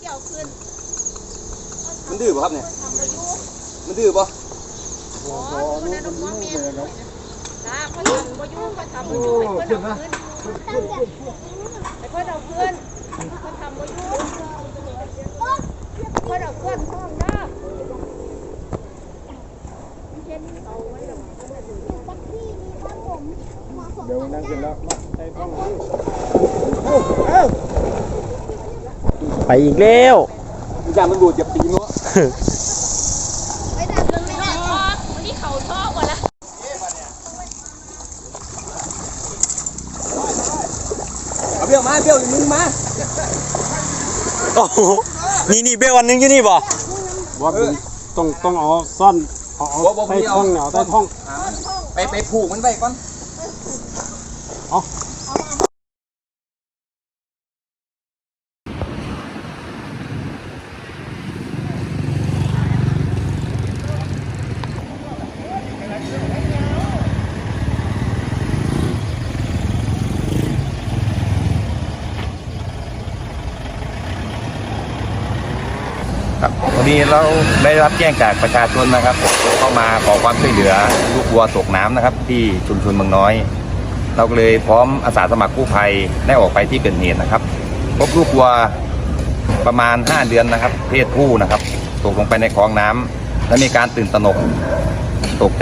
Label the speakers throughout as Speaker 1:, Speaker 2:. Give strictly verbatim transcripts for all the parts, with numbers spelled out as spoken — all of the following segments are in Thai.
Speaker 1: เอาขึ้น
Speaker 2: มันดื้อป่ะครับเนี่ยมันดื้อป่ะ
Speaker 1: อ๋อคนนั้นน้องเมียจ้าเขาทำบ่ยุ่งเขาทำบ่ยุ่งให้เพื่อนเอาขึ้นให้เพื่อนเอาขึ้นเขาทำบ่ยุ่งเพื่อนเอาขึ้นห้องน้ำ
Speaker 3: เดี๋ยวนั่งกินแล้ว
Speaker 4: ไปอีกแล้ว
Speaker 2: ยามันดูดจะปีมั้ง
Speaker 1: ไปดักเรื่องไม่ได้พ่อวันนี้เขาชอบกว่าละ
Speaker 2: เอาเบี้ยวมาเบี้ยวมึงมา
Speaker 4: โอ้โหนี่นี่เบลวันนึงอยู่นี่บ่
Speaker 3: ว่าต้องต้องเอาซ่อนเอาใต้ท้องเหนียวใต้ท้อง
Speaker 2: ไปไปผูกมันไปก่อน
Speaker 3: เอา
Speaker 5: ครับวันนี้เราได้รับแจ้งจากประชาชนนะครับเข้ามาขอความช่วยเหลือลูกวัวตกน้ำนะครับที่ชุมชนเมืองน้อยเราก็เลยพร้อมอาสาสมัครกู้ภัยได้ออกไปที่เกิดเหตุนะครับพบลูกวัวประมาณห้าเดือนนะครับเพศผู้นะครับตกลงไปในคลองน้ำและมีการตื่นตระหนกตกใจ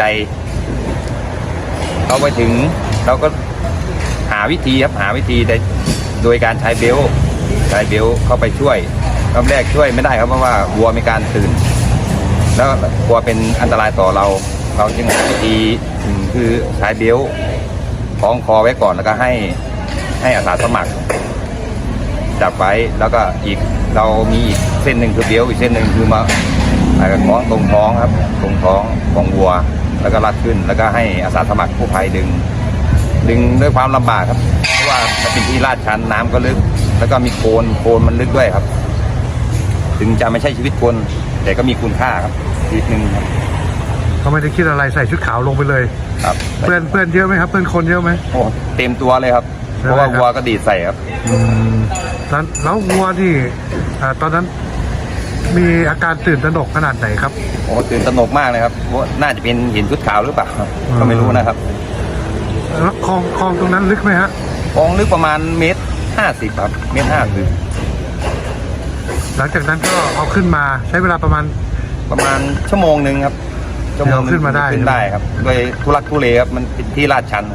Speaker 5: เราไปถึงเราก็หาวิธีครับหาวิธีโดยการใช้เบลต์ใช้เบลต์เข้าไปช่วยรอบแรกช่วยไม่ได้ครับเพราะว่าวัวมีการตื่นแล้วกลัวเป็นอันตรายต่อเราเราจึงหาวิธีคือใช้เบลต์คล้องคอไว้ก่อนแล้วก็ให้ให้อาสาสมัครจับไว้แล้วก็อีกเรามีอีกเส้นหนึ่งคือเบลต์อีกเส้นหนึ่งคือมาคล้องตรงท้องครับตรงท้องของวัวแล้วก็รัดขึ้นแล้วก็ให้อาสาสมัครกู้ภัยดึงดึงด้วยความลำบากครับเพราะว่ามันเป็นที่ลาดชันน้ำก็ลึกแล้วก็มีโคลนโคลนมันลึกด้วยครับถึงจะไม่ใช่ชีวิตคนแต่ก็มีคุณค่าครับชีวิตหนึ่งครับ
Speaker 3: เขาไม่ได้คิดอะไรใส่ชุดขาวลงไปเลย
Speaker 5: ครับ
Speaker 3: เพื่อนเพื่อนเยอะไหมครับเพื่อนคนเยอะไหม
Speaker 5: โอ้เต็มตัวเลยครับเพราะว่าวัวก็ดีดใส่ครับ
Speaker 3: อืมแล้วแล้ววัวที่ตอนนั้นมีอาการตื่นตระหนกขนาดไหนครับ
Speaker 5: โอ้ตื่นตระหนกมากเลยครับว่าน่าจะเป็นเห็นชุดขาวหรือเปล่าก็ไม่รู้นะครับ
Speaker 3: แล้วคลองคลองตรงนั้นลึกไหมฮะ
Speaker 5: คลองลึกประมาณเมตรห้าสิบครับเมตรห้าสิบ
Speaker 3: หลังจากนั้นก็เอาขึ้นมาใช้เวลาประมาณ
Speaker 5: ประมาณชั่วโมงหนึ่งครับ
Speaker 3: ชั่วโมงขึ้นมาได้
Speaker 5: ขึ้นได้ครับโดยทุลักทุเลครับมันเป็นที่ลาดชัน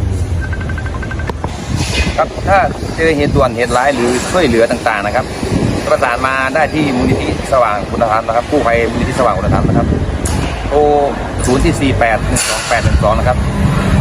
Speaker 5: ครับถ้าเจอเหตุด่วนเหตุร้ายหรือช่วยเหลือต่างๆนะครับประสานมาได้ที่มูลนิธิสว่างคุณธรรมนะครับกู้ภัยมูลนิธิสว่างคุณธรรมนะครับโทรศูนย์ที่สี่แปดหนึ่งสองแปดหนึ่งสองนะครับ